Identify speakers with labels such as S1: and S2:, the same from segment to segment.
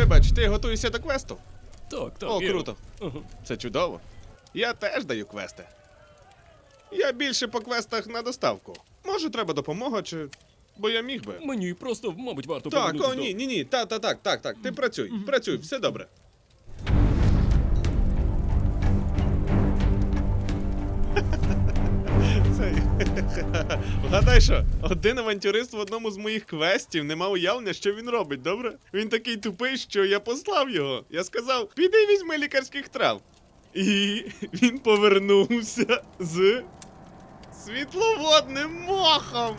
S1: Вибач, ти готуєшся до квесту?
S2: Так, так.
S1: О, круто.
S2: Ага.
S1: Це чудово. Я теж даю квести. Я більше по квестах на доставку. Може, треба допомога, чи... Бо я міг би.
S2: Мені просто, мабуть, варто
S1: Так,
S2: повернутись
S1: о, ні. Так. Ти працюй, все добре. Цей. Вгадай що, один авантюрист в одному з моїх квестів не мав уявлення, що він робить, добре? Він такий тупий, що я послав його. Я сказав, піди візьми лікарських трав. І він повернувся з світловодним мохом.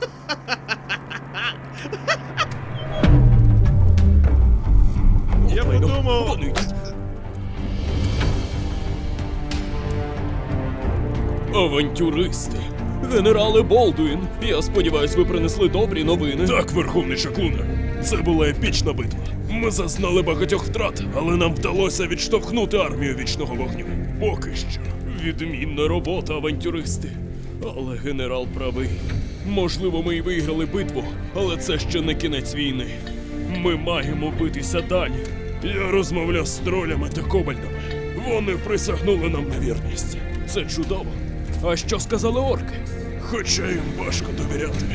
S1: Я подумав...
S2: Вони йдуть. Авантюристи. Генерале Болдуін, я сподіваюсь, ви принесли добрі новини.
S3: Так, Верховний Шаклуне. Це була епічна битва. Ми зазнали багатьох втрат, але нам вдалося відштовхнути армію вічного вогню. Поки що.
S2: Відмінна робота, авантюристи. Але генерал правий. Можливо, ми і виграли битву, але це ще не кінець війни. Ми маємо битися далі.
S3: Я розмовляв з тролями та кобальдами. Вони присягнули нам на вірність.
S2: Це чудово. А що сказали орки?
S3: Хоча їм важко довіряти.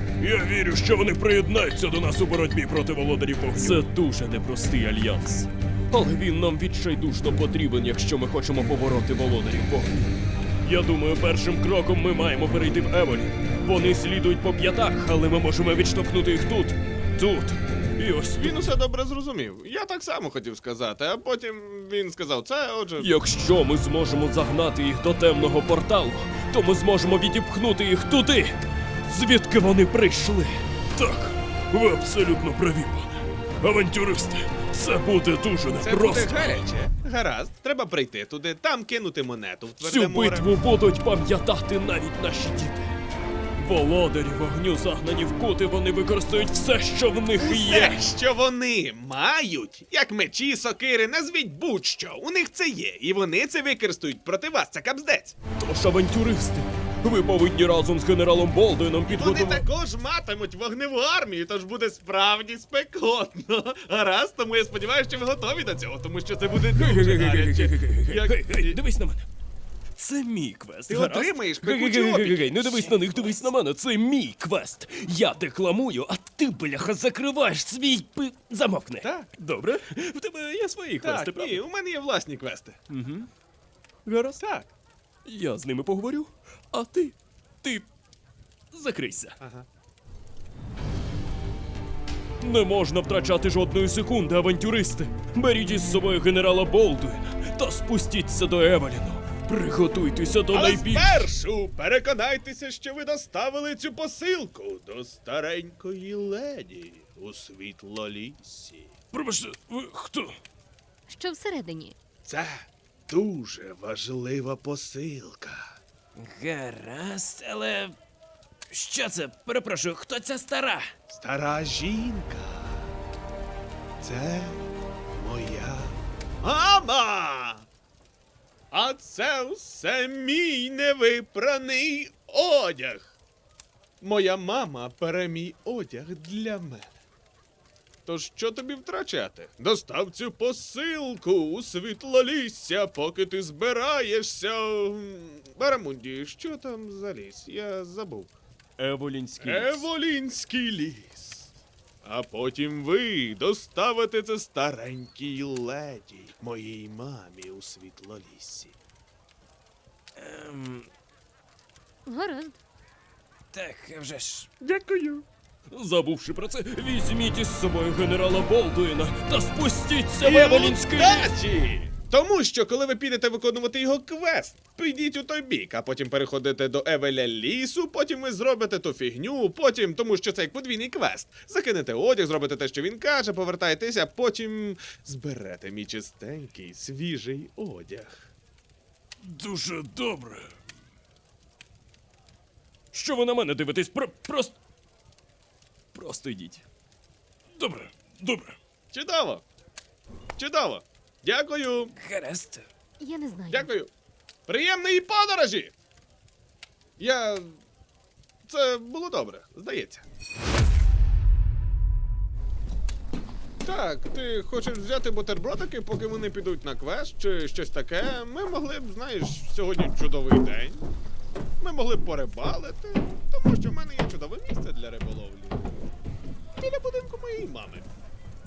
S3: Я вірю, що вони приєднаються до нас у боротьбі проти володарів вогню.
S2: Це дуже непростий альянс. Але він нам відчайдушно потрібен, якщо ми хочемо побороти володарів вогню. Я думаю, першим кроком ми маємо перейти в Еволін. Вони слідують по п'ятах, але ми можемо відштовхнути їх тут. Тут. І ось тут.
S1: Він усе добре зрозумів. Я так само хотів сказати, а потім він сказав це, отже...
S2: Якщо ми зможемо загнати їх до темного порталу, то ми зможемо відіпхнути їх туди, звідки вони прийшли.
S3: Так, ви абсолютно праві, пане. Авантюристи, це буде дуже
S1: Це буде
S3: непросто.
S1: гаряче. Гаразд, треба прийти туди, там кинути монету в тверде
S2: Цю
S1: море.
S2: битву будуть пам'ятати навіть наші діти. Володарі вогню загнані в кути, вони використають все, що в них є.
S1: Все, що вони мають, як мечі, сокири, назвіть будь-що, у них це є, і вони це використають проти вас, це капздець.
S2: Тож, авантюристи, ви повинні разом з генералом Болдуїном
S1: Вони
S2: підготувати...
S1: також матимуть вогневу армію, тож буде справді спекотно. Гаразд, тому я сподіваюся, що ви готові до цього, тому що це буде дуже гаряче.
S2: Гей, дивись на мене. Це мій квест.
S1: Ти
S2: гаразд?
S1: отримаєш пекучі
S2: Гей,
S1: опіки.
S2: не дивись на них, дивись на мене. Це мій квест. Я декламую, а ти, бляха, закриваєш свій Замовкни.
S1: Так.
S2: Добре? В тебе є свої квести,
S1: Так,
S2: правда?
S1: ні, у мене є власні квести.
S2: Гаразд.
S1: Так.
S2: Я з ними поговорю, а ти закрийся.
S1: Ага.
S2: Не можна втрачати жодної секунди, авантюристи. Беріть із собою генерала Болдуїна та спустіться до Евеліну. Приготуйтеся до
S1: Але
S2: найбільш...
S1: спершу переконайтеся, що ви доставили цю посилку до старенької леді у Світлоліссі.
S3: Пробачте, ви хто?
S4: Що всередині?
S1: Це дуже важлива посилка.
S5: Гаразд, але. Що це? Перепрошую, хто ця стара?
S1: Стара жінка. Це моя мама. А це все мій невипраний одяг. Моя мама пере мій одяг для мене. Тож що тобі втрачати? Достав цю посилку у Світлолісся, поки ти збираєшся. Барамунді, що там за ліс? Я забув.
S2: Еволінський ліс.
S1: Еволінський ліс. А потім ви доставите це старенькій леді, моїй мамі у Світлоліссі.
S4: Гаразд.
S5: Так, вже ж.
S1: Дякую.
S2: Забувши про це, візьміть із собою генерала Болдуїна та спустіться в Еволінський ліс.
S1: удачі! Тому що, коли ви підете виконувати його квест, підіть у той бік, а потім переходите до Евеля лісу, потім ви зробите ту фігню, потім, тому що це як подвійний квест. Закинете одяг, зробите те, що він каже, повертаєтеся, потім зберете мій чистенький, свіжий одяг.
S3: Дуже добре.
S2: Що ви на мене дивитесь? Просто йдіть.
S3: Добре, добре.
S1: Чудово! Чудово! Дякую!
S5: Гаразд.
S4: Я не знаю.
S1: Дякую! Приємної подорожі! Це було добре, здається. Так, ти хочеш взяти бутербродики, поки вони підуть на квест, чи щось таке? Ми могли б, знаєш, сьогодні чудовий день. Ми могли б порибалити, тому що в мене є чудове місце для риболовлі. Біля будинку моєї мами.